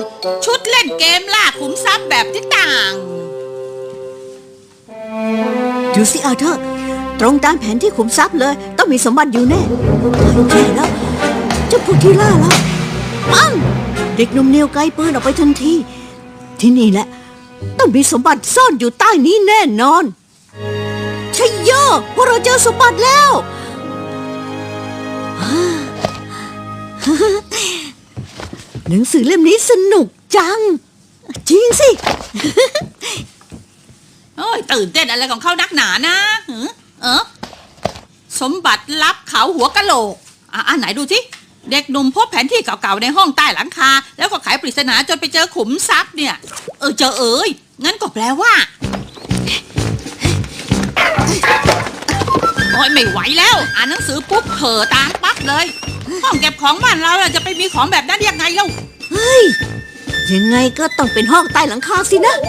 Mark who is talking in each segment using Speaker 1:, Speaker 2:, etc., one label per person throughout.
Speaker 1: ชุดเล่นเกมล่าขุมทรัพย์แบบที่ต่าง
Speaker 2: ดูสิอาเธอร์ตรงตามแผนที่ขุมทรัพย์เลยต้องมีสมบัติอยู่แน่ใช่แล้วเจ้าพวกที่ล่าแล้วปังเด็กหนุ่มเนียวไกลปืนออกไปทันทีที่นี่แหละต้องมีสมบัติซ่อนอยู่ใต้นี้แน่นอนชัยโยพวกเราเจอสมบัติแล้วหนังสือเล่มนี้สนุกจังจริงสิ
Speaker 1: โอ้ยตื่นเต้นอะไรของเขานักหนานะสมบัติลับเขาหัวกะโหลกอันไหนดูสิเด็กหนุ่มพบแผนที่เก่าๆในห้องใต้หลังคาแล้วก็ไขปริศนาจนไปเจอขุมทรัพย์เนี่ยเจองั้นก็แปลว่าโอ้ยไม่ไหวแล้วอ่านหนังสือปุ๊บเผลอตามปั๊บเลยห้องเก็บของบ้านเราจะไปมีของแบบนั้นยังไงเล่า
Speaker 2: เฮ้ยยังไงก็ต้องเป็นห้องใต้หลังคาสินะ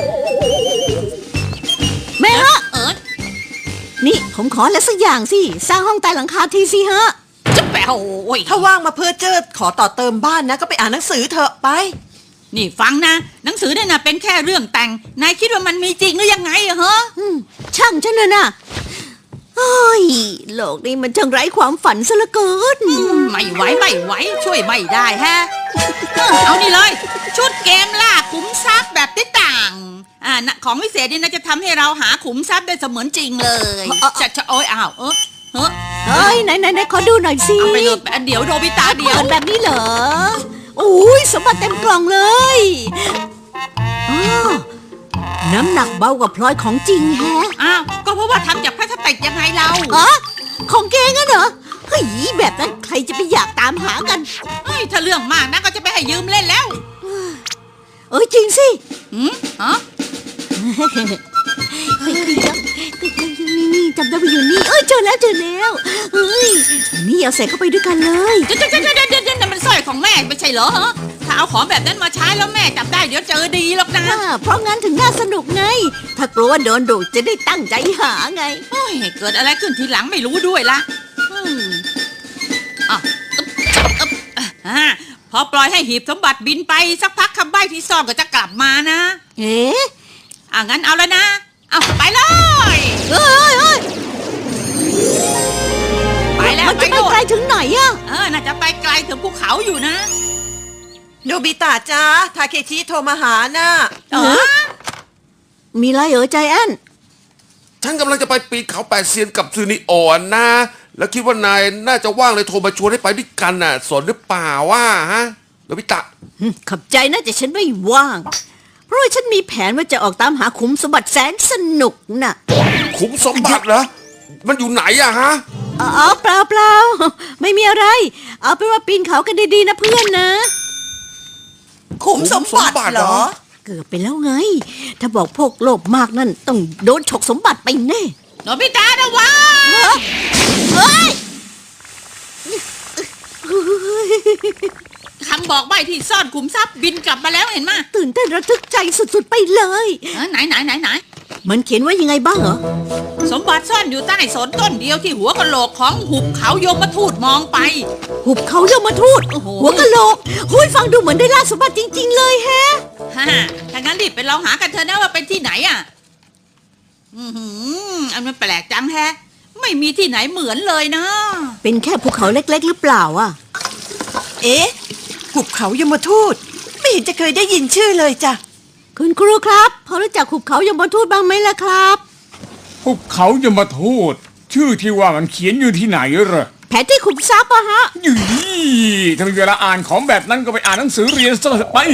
Speaker 2: แม่ฮะนี่ผมขออะไรสักอย่างสิสร้างห้องใต้หลังคาทีสิฮะ
Speaker 1: จะแปลโอ้ย
Speaker 3: ถ้าว่างมาเพื่อเจอขอต่อเติมบ้านนะก็ไปอ่านหนังสือเถอะไป
Speaker 1: นี่ฟังนะหนังสือเนี่ยนะเป็นแค่เรื่องแต่งนายคิดว่ามันมีจริงหรือยังไงอะฮะ
Speaker 2: ช่างฉันเลยนะเฮ้ยโลกนี้มันช่างไร้ความฝันซะเหลือเกิน
Speaker 1: ไม่ไหวช่วยไม่ได้ฮะเอานี่เลยชุดเกมล่าขุมทรัพย์แบบที่ต่างของวิเศษนี่นะจะทำให้เราหาขุมทรัพย์ได้เสมือนจริงเลยจะโอ้ยอ้าว
Speaker 2: เฮ้ยไหนขอดูหน่อยสิ
Speaker 1: เอาไปเลยเดี๋ยวโดบิตาเดี๋ยว
Speaker 2: แบบนี้เหรออุ้ยสมบัติเต็มกล่องเลยน้ำหนักเบากว่าพลอยของจริงแฮะ
Speaker 1: ก็เพราะว่าทำจากพลาสติกยังไงเรา
Speaker 2: ของแกงั้นเหรอเฮ้ยแบบนั้นใครจะไปอยากตามหากัน
Speaker 1: ถ้าเรื่องมากนะก็จะไปให้ยืมเล่นแล้ว
Speaker 2: จริงสินี่จำได้ไปอยู่นี่เจอแล้วนี่เอาใส่เข้าไปด้วยกันเลย
Speaker 1: เดี๋ยวมันสร้อยของแม่ไม่ใช่เหรอถ้าเอาของแบบนั้นมาใช้แล้วแม่จับได้เดี๋ยวเจอดีหรอกนะ
Speaker 2: เพราะงั้นถึงน่าสนุกไงถ้ากลัวว่าโดนดุจะได้ตั้งใจหาไง
Speaker 1: เกิดอะไรขึ้นทีหลังไม่รู้ด้วยละพอปล่อยให้หีบสมบัติบินไปสักพักคำใบ้ที่ซ่อนก็จะกลับมานะงั้นเอาแล้วนะไปเลยไปแล้ว
Speaker 2: มันจะไปไกลถึงไหน
Speaker 1: น่าจะไปไกลถึงภูเขาอยู่นะ
Speaker 3: โนบิตะจ้าทาเคชิโทรมาหานะ
Speaker 2: มีอะไรใจแอน
Speaker 4: ฉันกำลังจะไปปีนเขาแปดเซียนกับซูนิโอนนะแล้วคิดว่านายน่าจะว่างเลยโทรมาชวนให้ไปด้วยกันน่ะสนหรือเปล่าว่าฮะโนบิตะ
Speaker 2: ขอบใจนะแต่ฉันไม่ว่างเพราะฉันมีแผนว่าจะออกตามหาขุมสมบัติแสนสนุกน่ะ
Speaker 4: ขุมสมบัติเหรอมันอยู่ไหนอะฮะ
Speaker 2: เปล่าไม่มีอะไรเอาเป็นว่าปีนเขากันดีๆนะเพื่อนนะ
Speaker 3: ขุมสมบัติเหรอ
Speaker 2: เกือบไปแล้วไงถ้าบอกพวกโลภมากนั่นต้องโดนฉกสมบัติไปแน่
Speaker 1: โนบิตะนะวะคำบอกใบ้ที่ซ่อนขุมทรัพย์บินกลับมาแล้วเห็นไหม
Speaker 2: ตื่นเต้นระทึกใจสุดๆไปเลย
Speaker 1: ไหน
Speaker 2: มันเขียนว่ายังไงบ้างเหรอ
Speaker 1: สมบัติซ่อนอยู่ใต้สนต้นเดียวที่หัวกะโหลกของหุบเขายมทูตมองไป
Speaker 2: หุบเขายมทูตหัวกะโหลกฟังดูเหมือนได้ล่าสมบัติจริงๆเลยแฮะ
Speaker 1: ถ้างั้นรีบไปลองหากันเถอะนะว่าเป็นที่ไหนอันมันแปลกจังแฮะไม่มีที่ไหนเหมือนเลยนะ
Speaker 2: เป็นแค่ภูเขาเล็กๆหรือเปล่า
Speaker 3: หุบเขายมทูตไม่เห็นจะเคยได้ยินชื่อเลยจ้ะ
Speaker 2: คุณครูครับพอรู้จักหุบเขายมทูตบ้างไหมล่ะครับ
Speaker 5: หุบเขายมทูตชื่อที่ว่ามันเขียนอยู่ที่ไหนเหรอ
Speaker 2: แผนที่ขุมทรัพย์ฮะ
Speaker 5: ถ้ามีเวลาอ่านของแบบนั้นก็ไปอ่านหนังสือเรียนซะไป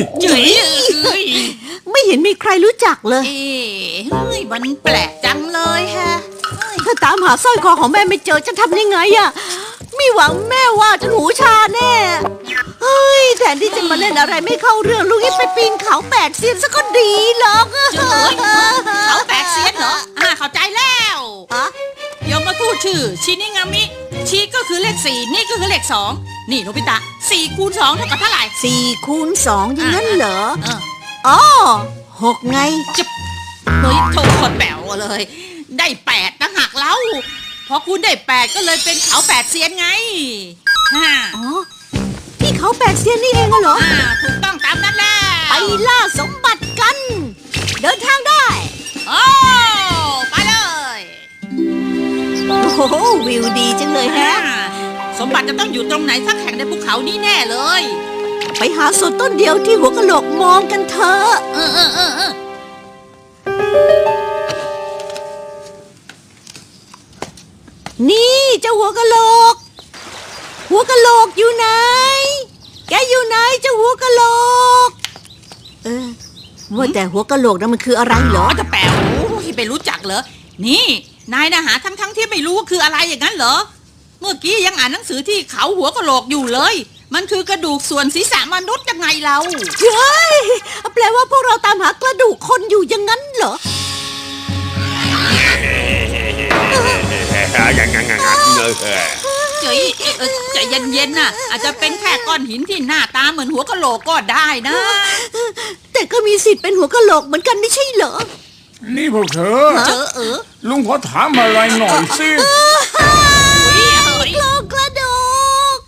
Speaker 2: ไม่เห็นมีใครรู้จักเลย
Speaker 1: มันแปลกจังเลยฮะ
Speaker 2: ถ้าตามหาสร้อยคอของแม่ไม่เจอจะทำยังไงไม่หวังแม่ว่าจะหูชาแน่แทนที่จะมาเล่นอะไรไม่เข้าเรื่องลูกให้ไปปีนเขาแปดเซียนซะก็ดีหรอก
Speaker 1: เขาแปดเซียนเหรอเข้าใจแล้วยมทูตชื่อชินิงามิชิก็คือเลข4นี่ก็คือเลข2นี่โนบิตะ4 คูณ 2เท่ากับเท่าไหร่
Speaker 2: 4 คูณ 2อย่างนั้นเหรอ6ไง
Speaker 1: โทษคนแป๋วเลยได้8นะหักแล้วพอคุณได้8ก็เลยเป็นเขา8เซียนไง
Speaker 2: ที่เขา8เซียนนี่เองเหรอ
Speaker 1: ถูกต้องตามนั้นแหละ
Speaker 2: ไปล่าสมบัติกัน เดินทางได้
Speaker 1: โอ้ไปเลย
Speaker 2: โอ้โหวิวดีจังเลยแฮะ
Speaker 1: สมบัติจะต้องอยู่ตรงไหนสักแห่งในภูเขานี้แน่เลย
Speaker 2: ไปหาสวนต้นเดียวที่หัวกะโหลกมองกันเถอะ
Speaker 1: เออ
Speaker 2: นี่เจ้าหัวกะโหลก หัวกะโหลกอยู่ไหน แกอยู่ไหนเจ้าหัวกะโหลก ว่าแต่หัวกะโหลกนั้นมันคืออะไรเหร
Speaker 1: อ๋
Speaker 2: อ
Speaker 1: อจะแปลโอ้ยไปรู้จักเหรอ นี่ นายนะหาทั้งที่ไม่รู้ว่าคืออะไรอย่างนั้นเหรอ เมื่อกี้ยังอ่านหนังสือที่เขาหัวกะโหลกอยู่เลย มันคือกระดูกส่วนศีรษะมนุษย์ยังไงเรา
Speaker 2: เฮ้ยแปลว่าพวกเราตามหากระดูกคนอยู่อย่างนั้นเหรอ
Speaker 1: เจ๋ยใจเย็นๆน่ะ อาจจะเป็นแค่ก้อนหินที่หน้าตาเหมือนหัวกะโหลกก็ได้นะ
Speaker 2: แต่ก็มีสิทธิ์เป็นหัวกะโหลกเหมือนกันไม่ใช่เหรอ
Speaker 5: นี่พวกเธอ ลุงขอถามอะไรหน่อยสิ
Speaker 2: โครงกระดูก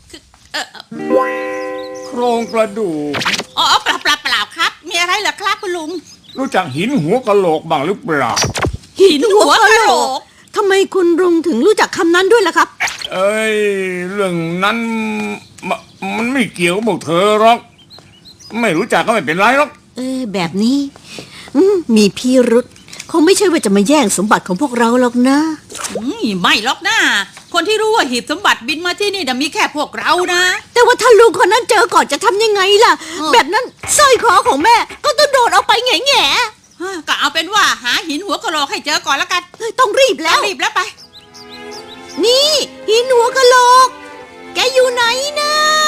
Speaker 5: โครงกระดูก
Speaker 1: อ๋อเปล่าครับ มีอะไรเหรอครับคุณลุง
Speaker 5: รู้จักหินหัวกะโหลกบ้างหรือเปล่า
Speaker 2: หินหัวกะโหลกทำไมคุณลุงถึงรู้จักคำนั้นด้วยล่ะครับ
Speaker 5: เอ้ย เรื่องนั้นมันไม่เกี่ยวกับพวกเธอหรอก ไม่รู้จักก็ไม่เป็นไรหรอก
Speaker 2: แบบนี้มีพิรุษคงไม่ใช่ว่าจะมาแย่งสมบัติของพวกเราหรอกนะ
Speaker 1: ไม่หรอกนะ คนที่รู้ว่าหีบสมบัติบินมาที่นี่มีแค่พวกเรานะ
Speaker 2: แต่ว่าถ้าลุงคนนั้นเจอก่อนจะทำยังไงล่ะ แบบนั้นสร้อยคอของแม่ก็ต้องโดดออกไปแง่
Speaker 1: ก็เอาเป็นว่าหาหินหัวกะโหลกให้เจอก่อนแล้วกัน
Speaker 2: ต้องรีบแล้ว
Speaker 1: รีบแล้วไป
Speaker 2: นี่หินหัวกะโหลก แกอยู่ไหนนะ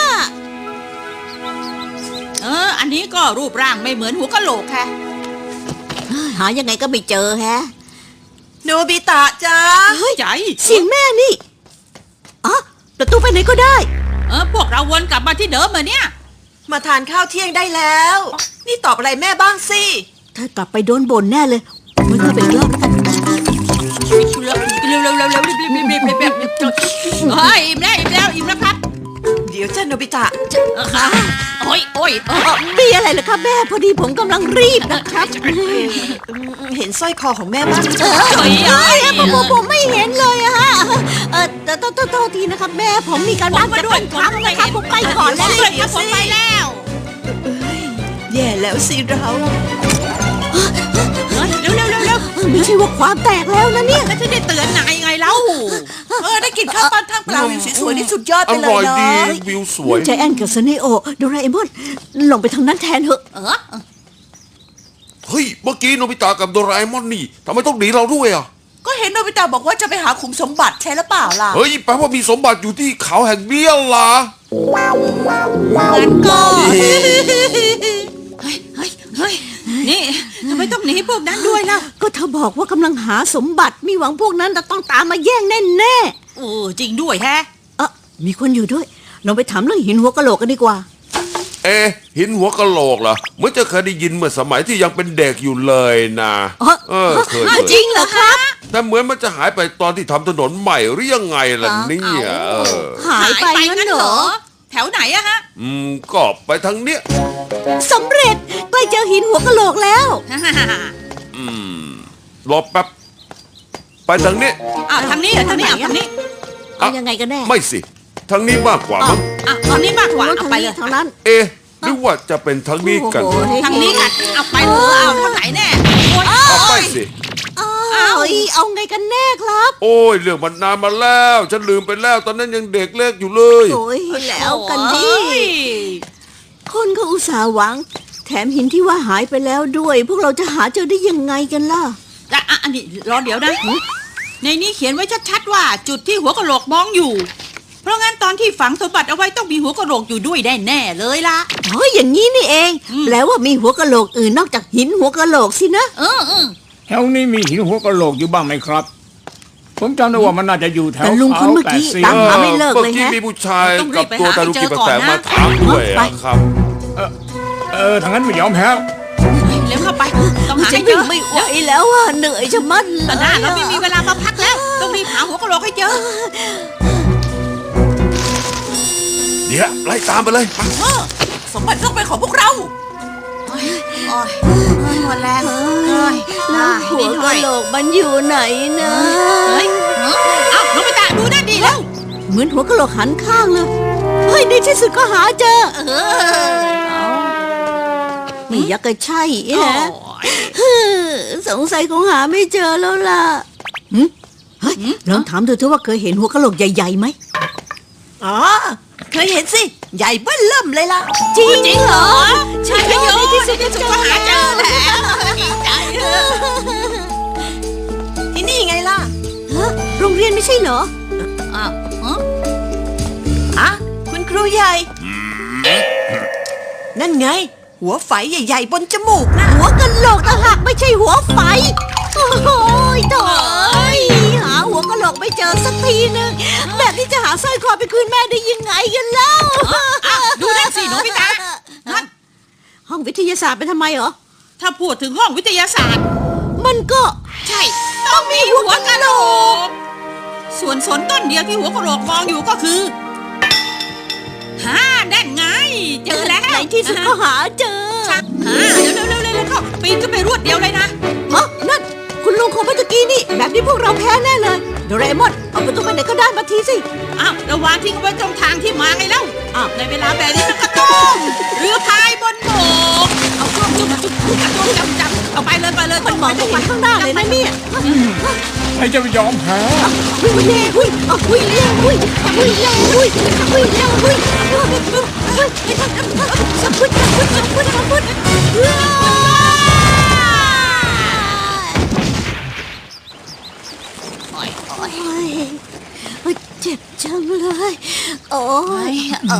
Speaker 1: อันนี้ก็รูปร่างไม่เหมือนหัวกะโหลกค่ะ
Speaker 2: หายังไงก็ไม่เจอแฮะ
Speaker 3: โนบิตะจ้า
Speaker 1: ใจ
Speaker 2: เสียงแม่นี่อ๋อประตูไปไหนก็ได้
Speaker 1: พวกเราวนกลับมาที่เดิมเหมือนเนี่ย
Speaker 3: มาทานข้าวเที่ยงได้แล้ว นี่ตอบอะไรแม่บ้างสิ
Speaker 2: ถ้ากลับไปโดนบ่นแน่เลยมันก็เป็นรอบแล้วกัน
Speaker 1: เร็วรีบอิ่มแล้วครับ
Speaker 3: เดี๋ยวจ้าโนบิตะ
Speaker 1: โอ้ย
Speaker 2: มีอะไรเหรอครับแม่พอดีผมกำลังรีบนะครับ
Speaker 3: เห็นสร้อยคอของแม่บ้าง
Speaker 2: ผมไม่เห็นเลยอะฮะแต่โทษทีนะครับแม่ผมมีการบ้านจะต้องทำนะครับผมไปก่อนแล้ว
Speaker 1: ผมไปแล้ว
Speaker 3: แย่แล้วสิเรา
Speaker 1: เร็ว
Speaker 2: ไม่ใช่ว่าความแตกแล้วนะเนี่ย
Speaker 1: แล้วจะได้เตือนนายไงเล่า
Speaker 3: ได้กินข้าวปั้นท่ามกลางวิวสวยๆนี่สุดยอด
Speaker 4: อ
Speaker 3: ไปเล
Speaker 4: ร่อย ย
Speaker 3: เนา
Speaker 4: ดี
Speaker 3: ะ
Speaker 4: วิวสวย
Speaker 2: ใจแอนกับซเนโอโดราเอมอนลงไปทางนั้นแทนเถอะ
Speaker 4: เฮ้ย เมื่อกี้โนบิตะกับโดราเอมอนนี่ทำไมต้องหนีเราด้วยอ่ะ
Speaker 3: ก็เห็นโนบิตะบอกว่าจะไปหาขุมสมบัติใช่หรือเปล่าล่ะ
Speaker 4: เฮ้ยแปลว่ามีสมบัติอยู่ที่เขาแห่งเบี้ยล่ะ
Speaker 1: งั้นก็เฮ้ยนี่ทำไมต้องหนีพวกนั้นด้วยล่ะ
Speaker 2: ก็เธอบอกว่ากำลังหาสมบัติมีหวังพวกนั้นจะต้องตามมาแย่งแน่
Speaker 1: จริงด้วยแฮะ
Speaker 2: มีคนอยู่ด้วยลองไปถามเรื่องหินหัวกะโหลกกันดีกว่า
Speaker 4: หินหัวกะโหลกเหรอเหมื่อนจะเคยได้ยินเมื่อสมัยที่ยังเป็นเด็กอยู่เลยนะเคย
Speaker 2: จริงเหรอครับ
Speaker 4: แต่เหมือนมันจะหายไปตอนที่ทำถนนใหม่หรือยังไงล่ะเนี่ย
Speaker 2: หายไปงั้นเหรอ
Speaker 1: แถวไหนอะฮะ
Speaker 4: ก็ไปทางเนี้ย
Speaker 2: สำเร็จใกล้เจอหินหัวกะโหลกแล้ว
Speaker 4: รอแป๊บไปทางนี้
Speaker 1: ทางนี้เหรอทางนี้ทางนี้
Speaker 2: เอายังไงกันแน่
Speaker 4: ไม่สิทางนี้มากกว่ามั้ง
Speaker 1: ทางนี้มากกว่าเอาไปเลย
Speaker 2: ทางนั้น
Speaker 4: หรือว่าจะเป็นทางนี้กัน
Speaker 1: ทางนี้กันเอาไปเลยเอาทางไหนแน่
Speaker 4: เอาไปสิ
Speaker 2: เอาไงกันแน่ครับ
Speaker 4: โอ้ยเรื่องมันนานมาแล้วฉันลืมไปแล้วตอนนั้นยังเด็กเล็กอยู่เลย
Speaker 2: โอ้ยแล้วกันดิคนก็อุตส่าห์หวัง แถมหินที่ว่าหายไปแล้วด้วย พวกเราจะหาเจอได้ยังไงกันล่ะ
Speaker 1: อันนี้รอเดี๋ยวนะในนี้เขียนไว้ชัดๆว่าจุดที่หัวกะโหลกมองอยู่ เพราะงั้นตอนที่ฝังสมบัติเอาไว้ต้องมีหัวกะโหลกอยู่ด้วยแน่ๆเลยล่ะ
Speaker 2: อย่างนี้นี่เองแปลว่ามีหัวกะโหลกอื่นนอกจากหินหัวกะโหลกสินะ
Speaker 5: แถวนี้มีหินหัวกะโหลกอยู่บ้างไหมครับ ผมจำได้ว่ามันน่าจะอยู่แถว
Speaker 2: แต่ลุงคนเมื่อกี้
Speaker 5: 8
Speaker 2: ตามหาไม่เลิกเลย
Speaker 4: กี้
Speaker 2: ฮะ
Speaker 4: มีผู้ชายกับตัวตาลุกิปแสงมาถามด้วยครับ
Speaker 5: ทางนั้นไม่ยอมแพ้
Speaker 1: เร็วเข้าไปต้องหา
Speaker 2: ฉั
Speaker 1: ให้
Speaker 2: น
Speaker 1: เจ
Speaker 2: วิ่ง
Speaker 1: อ
Speaker 2: ไม่ไหวแล้วอ่ะเหนื่อยจะมัดเล
Speaker 1: ตอนหน้าย เราไม่มีเวลามาพักแล้วต้องรีบหาหัวกะโหลกให้เจอ
Speaker 4: เดี๋ยวไล่ตามไปเลยไป
Speaker 3: สมบัติต้องเป็นของพวกเราหมดแรงย
Speaker 2: แล้วหัวกะโหลกมันอยู่ไหนนะ
Speaker 1: เฮ้ยเอ้าโนบิตะดูนั่นดิแล้ว
Speaker 2: เหมือนหัวกะโหลกหันข้างเลยเฮ้ยในที่สุดก็หาเจอนี่ยักษ์ก็ใช่แฮะสงสัยคงหาไม่เจอแล้วล่ะเฮ้ยลองถามดูเถอะว่าเคยเห็นหัวกะโหลกใหญ่ๆไหม
Speaker 3: อ๋อเคยเห็นสิใหญ่เบ้อเริ่มเลยล่ะ
Speaker 2: จริงเหรอ
Speaker 1: ใช่โยในที่สุดก็หาเจอแล้วดีใจ
Speaker 3: ที่นี่ไงล่ะ
Speaker 2: ฮะโรงเรียนไม่ใช่เหรอ
Speaker 1: อ้าว
Speaker 3: อ่ะคุณครูใหญ่ นั่นไง หัวไฝใหญ่ๆบนจมูกนะ
Speaker 2: หัวกะโหลกต่างหากไม่ใช่หัวไฟ โอ้โหโถ่หาหัวกะโหลกไม่เจอสักทีนึงแบบนี้จะหาสร้อยคอไปคืนแม่ได้ยังไงกันเล่า
Speaker 1: อ้าวดูนั่นสิโนบิตะนั่น
Speaker 2: ห้องวิทยาศาสตร์ไปทำไมเหรอ
Speaker 1: ถ้าพูดถึงห้องวิทยาศาสตร์
Speaker 2: มันก็
Speaker 1: ใช่ ต้องมีหัวกะโหลก ส่วนสนต้นเดียวที่หัวกะโหลกมองอยู่ก็คือฮ่านั่นไง เจอแล้ว
Speaker 2: ในที่สุดก็หาเจอ
Speaker 1: เร็วเข้าปีนขึ้นไปรวดเดียวเลยนะ
Speaker 2: อ๋อนั่นคุณลุงของเมื่อกี้นี่แบบนี้พวกเราแพ้แน่เลยโดเรมอนเอาประตูไปไหนก็ได้มาทีสิ
Speaker 1: อ้าวระวางทิ้งเอาไว้ตรงทางที่มาไงเล่าอ้าวในเวลาแบบนี้มันก็ต้องเรือพายบนบกเอาเครื่องจุดจำเอาไปเลย
Speaker 2: มันมองไปข้างหน้าเลยนะเนี่ย
Speaker 5: ใครจะไปยอมแพ้
Speaker 2: หุยเร็วหุยหุยเร็วหุยหุยเร็วหุยหุยเร็วหุยสับพุดเจ็บจังเลยโอ้ย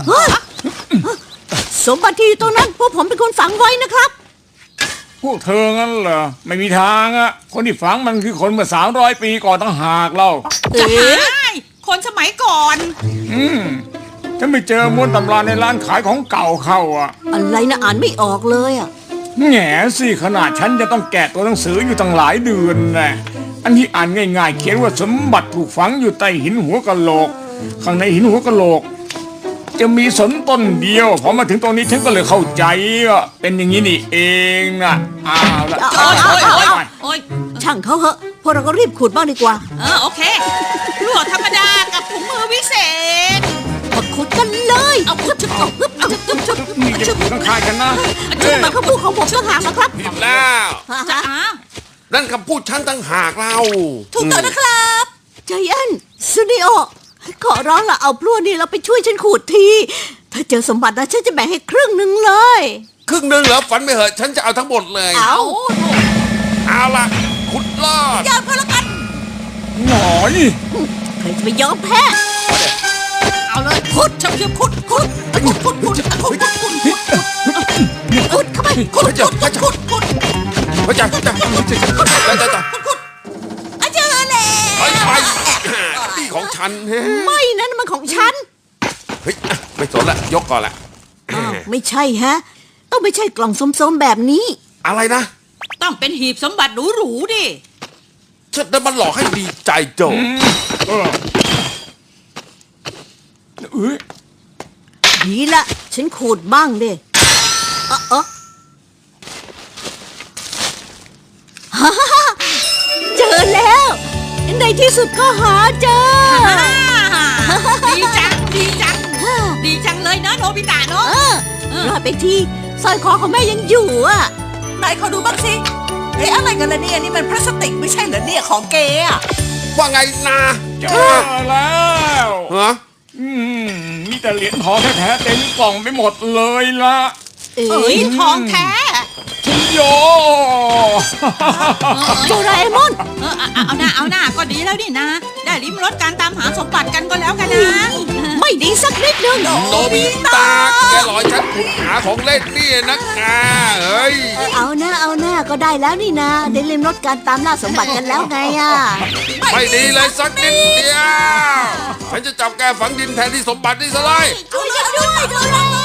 Speaker 2: สมบัติที่อยู่ตรงนั้นพวกผมเป็นคนฝังไว้นะครับ
Speaker 5: พวกเธองั้นเหรอไม่มีทางอะคนที่ฝังมันคือคนเมื่อ300 ปีก่อนตั้งหากเรา
Speaker 1: จะหายคนสมัยก่อน
Speaker 5: ฉันไปเจอม้วนตำราในร้านขายของเก่าเข้าอะ
Speaker 2: อะไรนะอ่านไม่ออกเลยอ่ะ
Speaker 5: แง่สิขนาดฉันจะต้องแกะตัวหนังสืออยู่ตั้งหลายเดือนนะอันที่อ่านง่ายๆ เขียนว่าสมบัติถูกฝังอยู่ใต้หินหัวกะโหลก ข้างในหินหัวกะโหลก จะมีสนต้นเดียวพอมาถึงตรงนี้ฉันก็เลยเข้าใจว่าเป็นอย่างนี้นี่เองนะอ้าวละ
Speaker 1: โอ้ย
Speaker 2: ช่างเขาเหอะพวกเราก็รีบขุดบ้างดีกว่า
Speaker 1: โอเคลวดธรรมดากับถุงมือวิเศษ
Speaker 2: มาขุดกันเลย
Speaker 1: เอาขุดชุบเอาฮึบเอาชุบ
Speaker 5: นี่จะถูกข้างๆกันนะ
Speaker 2: ชุดมาคำพูดของผมต่างหากนะครับ
Speaker 4: ผิดแล้ว
Speaker 1: จะอ้าว
Speaker 4: นั่นคำพูดฉันตั้งหากเรา
Speaker 2: ถูกต้องนะครับใจแอนซูนิโอขอร้องละเอาพลั่วนี่เราไปช่วยฉันขุดที ถ้าเจอสมบัตินะฉันจะแบ่งให้ครึ่งหนึ่งเลย
Speaker 4: ครึ่งหนึ่งเหรอฝันไม่เหอะฉันจะเอาทั้งหมดเลย เอาล่ะขุดลอด
Speaker 2: ยอมก็แล้วกัน
Speaker 5: หน่อย
Speaker 2: ใครจะไปยอมแพ้
Speaker 1: เอาเลยขุดชุบขุดขุด
Speaker 2: ขุดเข้าไปขุด
Speaker 4: พระเจ้าพระเจ้าพระเจ้าพระเจ้า
Speaker 2: เจอแล้ว
Speaker 4: ไปนี่ของฉันเฮ้
Speaker 2: ไม่นั่นมันของฉัน
Speaker 4: ยไม่สนละยกก่อนละ
Speaker 2: ไม่ใช่ฮะ ต้องไม่ใช่กล่องส้มๆแบบนี้
Speaker 4: อะไรนะ
Speaker 1: ต้องเป็นหีบสมบัติหรูๆดิ
Speaker 4: ฉันจะมาหลอกให้ดีใจโจ
Speaker 2: ดีละฉันขูดบ้างดิเจอแล้ว ในที่สุดก็หาเจอ
Speaker 1: ดีจังเลยนะโนบิตะเนาะ
Speaker 2: รอดไปทีสร้อยคอของแม่ยังอยู่อ่ะ
Speaker 3: นายขอดูบ้างสิอะไรกันล่ะเนี่ยนี่มันพลาสติกไม่ใช่เหรอเนี่ยของเกอะ
Speaker 4: ว่าไงนะ
Speaker 5: เจอแล้ว
Speaker 4: ฮะ
Speaker 5: มีแต่เหรียญทองแท้ๆเต็มกล่องไปหมดเลยละ
Speaker 1: เอ้ยทองแท้
Speaker 5: ชิโย
Speaker 2: โดราเอมอน
Speaker 1: เอาหน้าก็ดีแล้วนี่นะ ได้ลิ้มรสการตามหาสมบัติกันก็แล้วกันนะ
Speaker 2: ไม่ดีสักนิดนึง
Speaker 4: โนบิตะแกหลอยฉันขุดหาของเล่นนี่นะกาเฮ้ย
Speaker 2: เอาหน้าก็ได้แล้วนี่นะได้เล่นรถการตามล่าสมบัติกันแล้วไงอ่ะ
Speaker 4: ไม่ดีเลยสักนิดเดียวฉันจะจับแกฝังดินแทนที่สมบัตินี่ซะเลย
Speaker 2: ช่วยฉันด้วยโดรา